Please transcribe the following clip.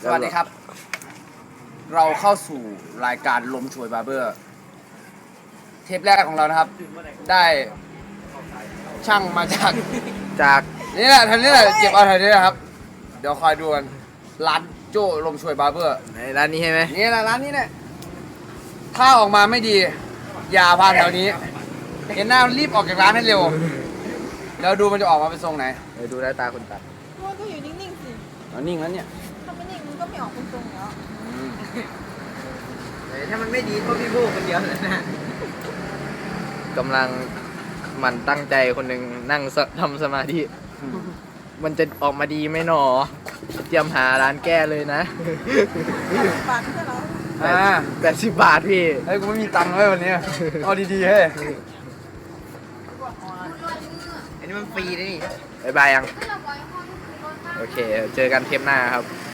สวัสดีครับ เราเข้าสู่รายการลมช่วยบาร์เบอร์ เทปแรกของเรานะครับ ได้ช่างมาจากนี่แหละทางนี้แหละเก็บเอาทางนี้นะครับ เดี๋ยวคอยดูกันร้านโจ้ลมช่วยบาร์เบอร์ในร้านนี้ใช่ไหมนี่แหละร้านนี้เนี่ยถ้าออกมาไม่ดี อย่าพานแถวนี้ เห็นหน้ารีบออกจากร้านให้เร็ว แล้วดูมันจะออกมาเป็นทรงไหนเดี๋ยวดูหน้าตาคนตัดมันก็อยู่นิ่งๆสิเอานิ่งแล้วเนี่ยถ้าไม่นิ่งมันก็ไม่ออกตรงๆแล้วถ้ามันไม่ดีก็พี่บูคนเดียวเลยนะกำลังมันตั้งใจคนหนึ่งนั่งทำสมาธิมันจะออกมาดีไหมหนอเตรียมหาร้านแก้เลยนะปากใช่แล้ว 80 บาทพี่เฮ้ยกูไม่มีตังค์เลยวันนี้เอาดีๆเฮ้ยอันนี้มันฟรีนะนี่บายบายยัง โอเค เจอกันเทปหน้าครับ